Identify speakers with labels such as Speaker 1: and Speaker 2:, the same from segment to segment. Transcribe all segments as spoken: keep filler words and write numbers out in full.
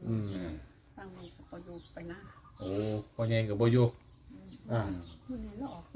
Speaker 1: ตั้งมือกับประยุกไปนะ
Speaker 2: โอ้พ่อใหญ่กับบ่อยู่
Speaker 1: อ่ามันนี่เราออกไป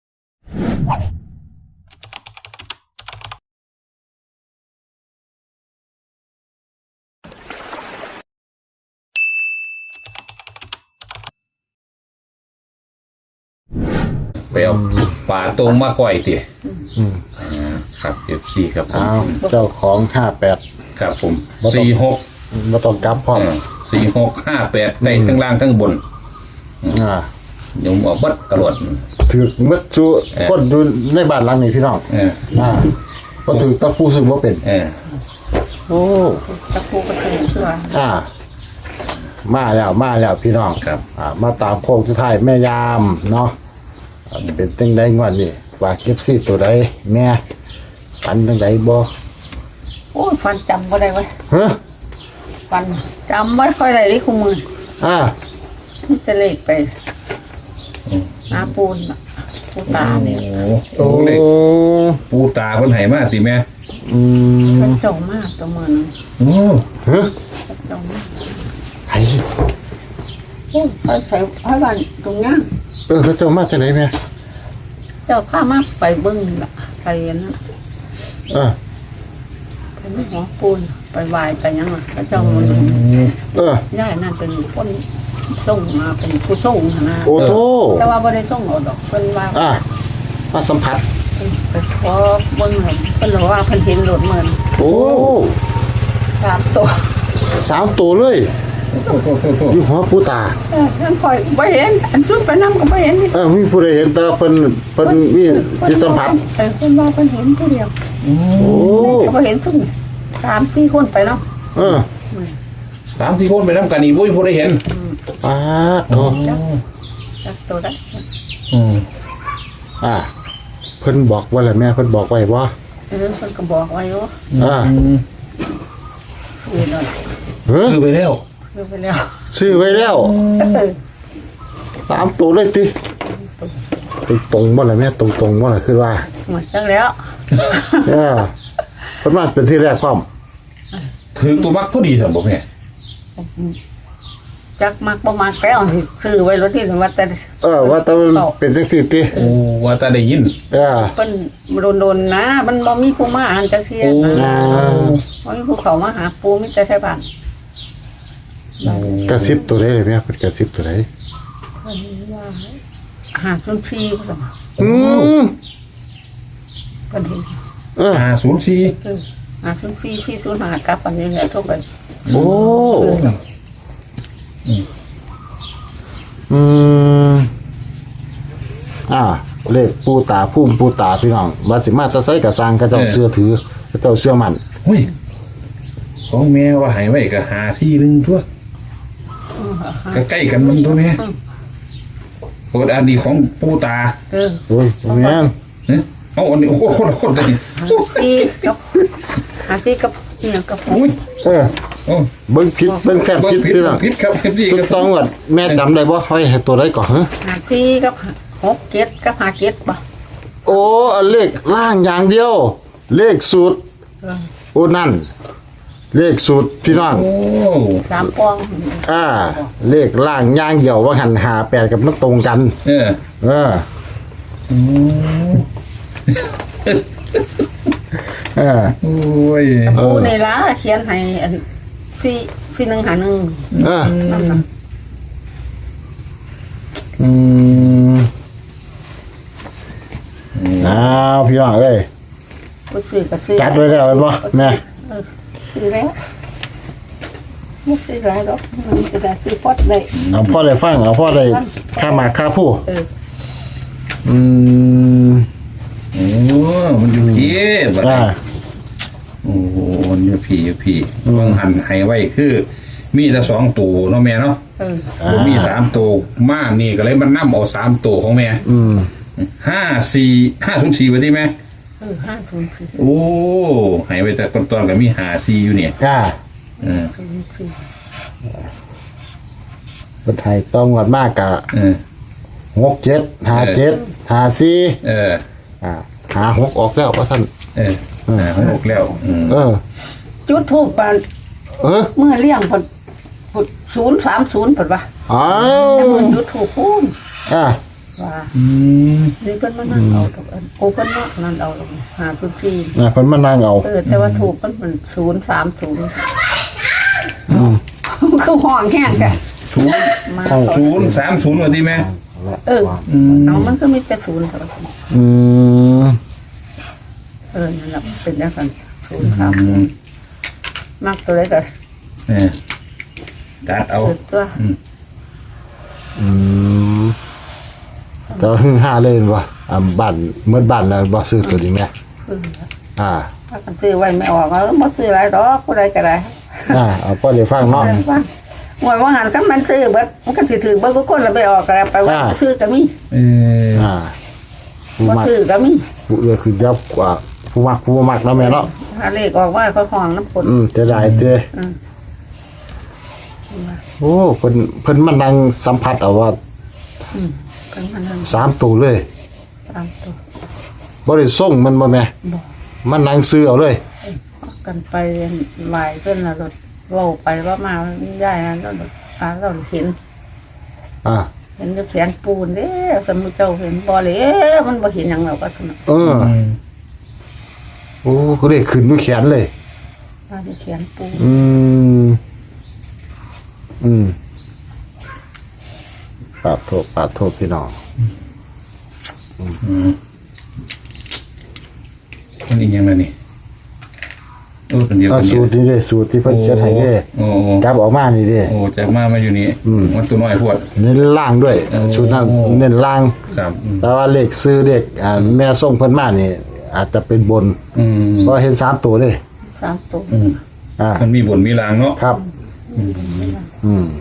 Speaker 2: ไปเอาปลาตรงมาก่อยติครับเอฟซีครับผม
Speaker 3: เจ้าของห้าแปด
Speaker 2: ครับผมสี่หก
Speaker 3: มาต้องกลับพร้อม
Speaker 2: สี่หกห้าแปดในทั้งล่างทั้งบน
Speaker 3: อ่า
Speaker 2: โยมออกบัดตลอด
Speaker 3: ถือมัดจูคนดูในบ้านหลังนี้พี่น้องอ่าก็ถือตะปูซึ่งว่าเป็นโอ้
Speaker 1: ตะปูกระถือเสื้อ
Speaker 3: อ่ามาแล้วมาแล้วพี่น้อง
Speaker 2: ครับ
Speaker 3: อ่ามาตามโค้งสุดท้ายแม่ยามเนาะเป็นตั้งใดงวดนี่ว่าเก็บซี่ตัวใดแม่ฟันตั้งใดบ่
Speaker 1: โอ้ฟันจำก็ได้ไว้
Speaker 3: ฮะ
Speaker 1: ฟันจำไม่ค่อยได้เลยคู่มือ
Speaker 3: อ่า
Speaker 1: จะเลขไปน้าปูนปูตาเนี่ย
Speaker 2: โอ้เลขปูตาคนไหนมาสิแม่
Speaker 3: อืม
Speaker 1: เขาจงมากตัวมือ
Speaker 2: โอ้
Speaker 3: ฮะ
Speaker 1: จงมาก
Speaker 3: ไอ้
Speaker 1: โอ้เขาใส่ให้บ้านตรงนี้
Speaker 3: เออเขาเจ้ามาจากไหนแม่
Speaker 1: เจ้าผ้ามาไปเบิ้งละไปนั่น
Speaker 3: อ่า
Speaker 1: ไปไม่หัวปูนไปวายไปยังไงพระเจ้ามัน
Speaker 3: เอ
Speaker 1: อย่านั่นเป็นคนส่งมาเป็นผู้ส่งนะ
Speaker 3: โอ้โห
Speaker 1: แต่ว่าไม่ได้ส่งเอาดอกเป็นว่า
Speaker 3: อ่ามาสัมผัส
Speaker 1: พอเบิ้งเห็นเป็นหรือว่าเพิ่นเห็นหลุดเหมือน
Speaker 3: โอ้
Speaker 1: สามตัว
Speaker 3: สามตัวเลยอยู่หัวปูตา
Speaker 1: เออท่านคอยไม่เห็นอันซุ่มไปน้ำก็ไม่เห็น
Speaker 3: เออมีผู้ใดเห็นแต่เพิ่นเพิ่นมีสิสัมผัส
Speaker 1: เออเพิ่นว่าเพิ่นเห็นผู้เดียว
Speaker 3: โอ้
Speaker 1: ก็ไม่เห็นซุ่มสามสี่คนไปแล้ว
Speaker 3: เออ
Speaker 2: สามสี่คนไปน้ำกันนี่บุ้ยผู้ใดเห็น
Speaker 3: ป้าโต
Speaker 1: จับตัวได้
Speaker 2: อืม
Speaker 3: อ่าเพิ่นบอกว่าอะไรแม่เพิ่นบอกไว้บ่
Speaker 1: เออเพิ่นก็บอกไว้ว่า
Speaker 3: อ่า
Speaker 1: ซื้อหน่อย
Speaker 3: เฮ้ย
Speaker 2: ซื้อไปแล้ว
Speaker 1: ซื้อไปแล้ว
Speaker 3: ซื้อไว้แล้วสามตัวเลยติตรงๆบ่ล่ะแม่ตรงๆบ่ล่ะคือว่า
Speaker 1: หมดจังแล้ว
Speaker 3: เออเพิ่นมาเป็นที่แรกพร้อม
Speaker 2: ถือตัวมักพอดีซั่นบ่แม่
Speaker 1: จักมักบ่มักแล้วซื้อไว้รถที่ว่าแต่
Speaker 3: เออว่าแต่เป็นจังซี่ติ
Speaker 2: โอ้ว่าแต่ได้ยิน
Speaker 3: เออ
Speaker 1: เพิ่นโดนๆนะมันบ่มีผู้มาอ่านจักเที่ยนะบ่มีผู้เข้ามาหาปู่มีแต่ไทบ้าน
Speaker 3: กระซิบตัวใดเลยแม่เพิ่นกระซิบตัวใด
Speaker 1: เพิ่นว่าหาศูนย์สี่พุ่น
Speaker 3: อืม
Speaker 1: เพิ่นเห็น
Speaker 3: เออ
Speaker 2: ห้าศูนย์สี่
Speaker 1: เออห้าศูนย์สี่ สี่ศูนย์ห้ากลับอันนี้แหละทุกคน
Speaker 3: โอ้อืมอ่าเลขปูตาพุ่มปูตาพี่น้องว่าสิมาแตะไสก็สร้างเขาเจ้าเชื่อถือเขาเจ้าเชื่อมั่น
Speaker 2: เฮ้ยของแม่ว่าให้ไว้ก็ห้าสี่นึงทั่วก็ใกล้กันมันตัวแม่โอ้อันนี้ของปูตา
Speaker 1: เออ
Speaker 3: โอ้ยแม่น
Speaker 2: เอ๊ะเอาอันนี้โอ้โหโคตรๆเลย
Speaker 1: สี่กับหาสี่กับเนี่ยกับ
Speaker 2: โอ้ย
Speaker 3: เออเบิ่งผิดเบิ่งแค่ผิดพี่น้อง
Speaker 2: ผิดครับผิดดี
Speaker 3: ครับต้องว่าแม่จำได้บ่ให้ให้ตัวใดก่อนฮะ
Speaker 1: หาสี่กับหกเจ็ดกับห้าเจ็ดบ่
Speaker 3: โอ้เลขล่างอย่างเดียวเลขสูตรโอ้นั่นเลขสูตรพี่น้อง
Speaker 2: โอ้
Speaker 1: สามปอง
Speaker 3: อ่าเลขล่างย่างเหี่ยวว่าหันหาแปดกับมันตรงกัน
Speaker 2: เออ
Speaker 3: เออ
Speaker 2: อืม
Speaker 3: เออ
Speaker 2: โอ้ย
Speaker 1: โอ้ในร้านเขียนให้อันสี่สี่หนึ่งหาหนึ่ง
Speaker 3: เอออืมอ้าวพี่น้องเอ้ย
Speaker 1: ซื้อก็ซื้อ
Speaker 3: จัดไว้แล้วบ่แม่
Speaker 1: ซื้อแล้วไม่ซื้อหลายดอกมันก็ได้ซื้อพอดได้
Speaker 3: เอาพ่อได้ฟังเอาพ่อได้ค่าหมากค่าผู้อืม
Speaker 2: โอ้มันอยู่พี่บัดนี้โอ้โหมันอยู่พี่อยู่พี่บางหันให้ไว้คือมีแต่สองตัวเนาะแม่เนาะ
Speaker 1: เออ
Speaker 2: บ่มีสามตัวมานี่ก็เลยมันนำเอาสามตัวของแม่
Speaker 3: อืม
Speaker 2: ห้าสี่ ห้าศูนย์สี่ว่าติแม่
Speaker 1: เออห้าศูนย์สี่
Speaker 2: โอ้ให้ไว้แต่ต้นๆก็มีห้าสี่อยู่เนี่ย
Speaker 3: จ้า
Speaker 2: เออ
Speaker 3: เพิ่นให้ต้องงวดมากกะ
Speaker 2: เออ
Speaker 3: หกเจ็ดห้าเจ็ดห้าสี่
Speaker 2: เออ
Speaker 3: อ่าหาหกออกแล้วว่าท่าน
Speaker 2: เออหาหกแล้ว
Speaker 3: เออ
Speaker 1: จุดทูปปาน
Speaker 3: เออ
Speaker 1: เมื่อเลี้ยงพอศูนย์สามศูนย์เปิดว่า
Speaker 3: อ้า
Speaker 1: แต่
Speaker 3: ว
Speaker 1: มันยูทูบพูน
Speaker 3: อ่า
Speaker 1: ว่า
Speaker 2: อืม
Speaker 1: นี่เพิ่นมานั่งเอาตกอันโอ้เพิ่นมานั่งเอาตกหาทุกที
Speaker 3: น่ะเพิ่นมานั่งเอา
Speaker 1: เออแต่ว่าถูกมันเป็นศูนย์สามศูนย์
Speaker 3: อืม
Speaker 1: คือห้องแห้งกัน
Speaker 2: ศูนย์
Speaker 1: มา
Speaker 2: ศูนย์สามศูนย์ว่าที่แม่
Speaker 1: เออเอามันก็มีแต่ศูนย์เท่านั้น
Speaker 3: อืม
Speaker 1: เออนั่นแหละเป็นอย่างนั้นศูนย์สามศูนย์มากตัวเล็กกัน
Speaker 2: เออตัดเอา
Speaker 1: เออตัว
Speaker 3: อืมแต่ว่าหึ่งห้าเล่นบ่อ่าบ้านเมื่อบ้านแล้วบ่ซื้อตัวนี้แม่
Speaker 1: เออ
Speaker 3: อ่า
Speaker 1: ถ้ากันซื้อไว้ไม่ออกแล้วบ่ซื้ออะไรดอกผู้ใดก็ได้
Speaker 3: อ่าเอาก็เลยฟังเนาะ
Speaker 1: ว่าหวยว่าหันกันมันซื้อเบิดมันก็สิถือเบิดทุกคนแล้วไปออกก็ไปว่าซื้อก็มี
Speaker 2: เออ
Speaker 3: อ่าผู้
Speaker 1: บ่
Speaker 3: มัก
Speaker 1: ซื้อก็มี
Speaker 3: ผู้เอื้อคือยับกว่าผู้มักผู้บ่มักเนาะแม่เนาะ
Speaker 1: ถ้าเลขออกว่าเขาห้องน้ำปน
Speaker 3: อืมจะได้เด้
Speaker 1: อืม
Speaker 3: โอ้เพิ่นเพิ่นมานั่งสัมผัสเอาว่า
Speaker 1: อืมกันมันนั่ง
Speaker 3: สามตัวเลย
Speaker 1: ตามตัว
Speaker 3: บ่ได้ส่งมันบ่แม่
Speaker 1: บอก
Speaker 3: มันนั่งซื้อเอาเลย
Speaker 1: กันไปไหวเพื่อนละรถเว่าไปว่ามาไม่ได้นะแล้วตาเราเห็น
Speaker 3: อ่า
Speaker 1: เห็นจะแขนปูนเด้สมมุติเจ้าเห็นบ่เลยมันบ่เห็นหยังเราก็สนุก
Speaker 3: เออ โอ้เขาได้ขึ้นด้วยแขนเลย
Speaker 1: ว่าจะแขนปูน
Speaker 3: อืม อืมปาดโทษปาดโทษพี่น้อง
Speaker 2: มันอีกยังไงนี่โอ้เป็นเดียว
Speaker 3: เอา
Speaker 2: กัน
Speaker 3: สูตรนี้เด้สูตรที่เพิ่นเขียนให้เด้
Speaker 2: โอ้โอ้
Speaker 3: จับออกมานี่เด้
Speaker 2: โอ้จากมามาอยู่นี่
Speaker 3: อืม
Speaker 2: มันตัวน้อยพวด
Speaker 3: เน้นล่างด้วย
Speaker 2: โอ้
Speaker 3: ชุดนั้นเน้นล่าง
Speaker 2: ครับอืม
Speaker 3: แต่ว่าเลขซื้อเลขอ่าแม่ส่งเพิ่นมานี่ อาจจะเป็นบน
Speaker 2: อืม
Speaker 3: เพราะเห็นสามตัวเลย
Speaker 1: สามตัว
Speaker 2: อืม
Speaker 3: อ่า
Speaker 2: มันมีบนมีรางเนาะ
Speaker 3: ครับ อืม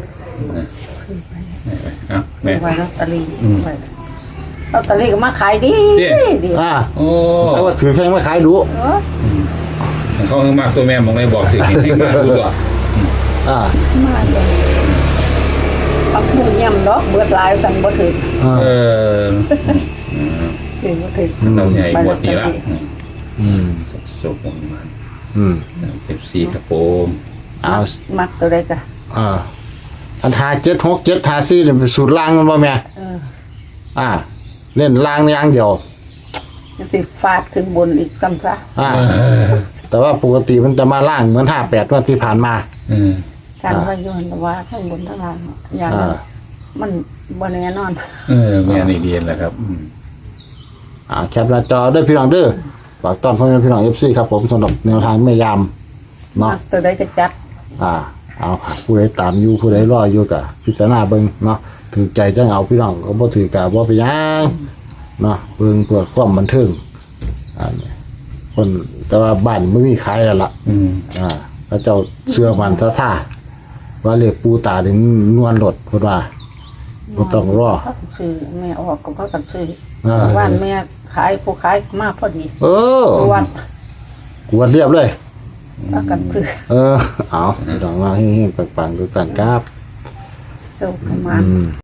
Speaker 2: อ่ะแม่
Speaker 1: ไว้ลอตเตอรี่ไว้ลอตเตอรี่ก็มาขายดี
Speaker 2: เด้
Speaker 1: ดี
Speaker 3: อ่า
Speaker 2: โอ้
Speaker 3: แต่ว่าถือแค่ไม่ขายดู
Speaker 1: เออ
Speaker 2: เขามากตัวแม่มองได้บอกสิเห็นให้มากดูตัว
Speaker 3: อ่า
Speaker 1: มาเลยปักหมุนย่ำดอกเบิดหลายสั่งบ่ถึง
Speaker 3: อ่า
Speaker 2: เออ
Speaker 1: ถึงบ่ถึง
Speaker 2: เราใหญ่หมดนี่ละ
Speaker 3: อืม
Speaker 2: สุกมัน
Speaker 3: อืม
Speaker 2: เอฟซีครับผม
Speaker 3: เอา
Speaker 1: มักตัวใดก็
Speaker 3: อ่าอันหาเจ็ดหกเจ็ดหาสี่เนี่ยเป็นสูตรล่างมันบ่แม่
Speaker 1: เออ
Speaker 3: อ่า เล่นล่างอย่างเดียว
Speaker 1: จะสิฟาดขึ้นบนอีกซ้ำซะ
Speaker 3: อ่า แต่ว่าปกติมันจะมาล่างเหมือนห้าแปดวันที่ผ่านมา
Speaker 2: อืม
Speaker 1: ฉันว่าโยนว่าข้างบนข้างล่างอย่าง
Speaker 3: อ่า
Speaker 1: มันบ่แน่นอน
Speaker 2: เออแม่นี่เรียนแล้วครับอืม
Speaker 3: อ่าแคปหน้าจอด้วยพี่น้องเด้อฝากต้อนพ่อแม่พี่น้องเอฟซีครับผมสำหรับแนวทางไม่ยามเนาะ
Speaker 1: มักตัวใดก็จัด
Speaker 3: อ่า เอาผู้ใดตามอยู่ผู้ใดรออยู่กะพิจารณาเบิ่งเนาะถือใจจังเอาพี่น้องก็บ่ถือกะบ่ไปนหยังเนาะเบิ่งเพื่อความบันเทิงอ่าเนี่ยคนแต่ว่าบ้านไม่มีขายแล้วล่ะ
Speaker 2: อืม
Speaker 3: อ่าพระเจ้าเชื่อมันซะท่าว่าเรียกปูตาถึงนวลรถพูดว่าบ่ต้องรอ
Speaker 1: เขาก็ซื้อแม่ออกก็เขาก็ซื้อ
Speaker 3: อ่า
Speaker 1: ว่านแม่ขายผู้ขายมาพอดี
Speaker 3: เออ
Speaker 1: วัน
Speaker 3: กวนเรียบเลย
Speaker 1: เขาก็ซื้อ
Speaker 3: เออ เอาให้ดอกมาให้ปังๆดูกันครับ
Speaker 1: เซลประมาณ
Speaker 3: อืม